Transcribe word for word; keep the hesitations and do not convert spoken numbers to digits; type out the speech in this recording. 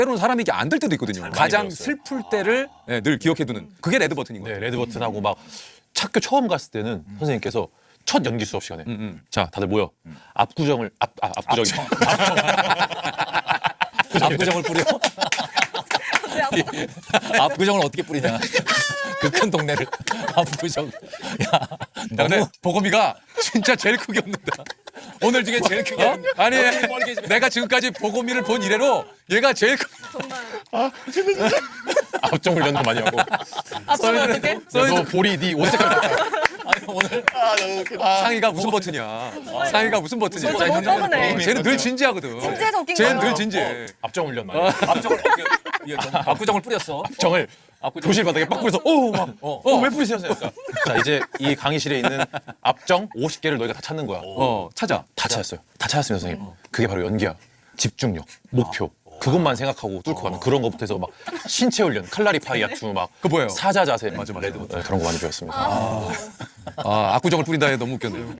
때로는 사람이 이게 안 될 때도 있거든요. 가장 배웠어요. 슬플 때를 네, 늘 기억해두는 그게 레드 버튼인 거예요. 네, 레드 버튼하고 막 학교 처음 갔을 때는 선생님께서 첫 연기 수업 시간에 음. 자 다들 모여 압구정을 앞 아, 압구정이 압구정을 뿌려? 압구정을 어떻게 뿌리냐? 그 큰 동네를 압구정. 야, 야, 근데 너무 보검이가 진짜 제일 크게 웃는다. 오늘 중에 제일 크게. 어? 아니 내가 지금까지 보검이를 본 이래로 얘가 제일 크. 압정 훈련도 많이 하고 앞서면 어떻게? 너 볼이 네 옷 색깔 같아. 아니, 오늘 상의가 무슨 버튼이야? 상의가 무슨 버튼이야? 벌써 못 먹으네. 쟤는 늘 진지하거든. 진지해서 웃긴 쟤는 거야. 늘 진지해. 압정 훈련 많이 하고 압정을 이거 좀 압구정을 뿌렸어. 압정을 압구정. 교실 바닥에 빡 뿌려서 오막어왜 뿌리세요? 그러니까. 자 이제 이 강의실에 있는 압정 오십 개를 너희가 다 찾는 거야. 어 찾아. 다 찾았어요. 다 찾았습니다, 선생님. 그게 바로 연기야. 집중력, 목표. 그것만 생각하고 뚫고 가는 그런 것부터 해서 막 신체 훈련, 칼라리 파이아투 막 그거 뭐예요? 사자 자세 맞아, 맞아. 레드, 네, 그런 거 많이 배웠습니다. 아 압구정을 뿌린다 해 너무 웃겼네.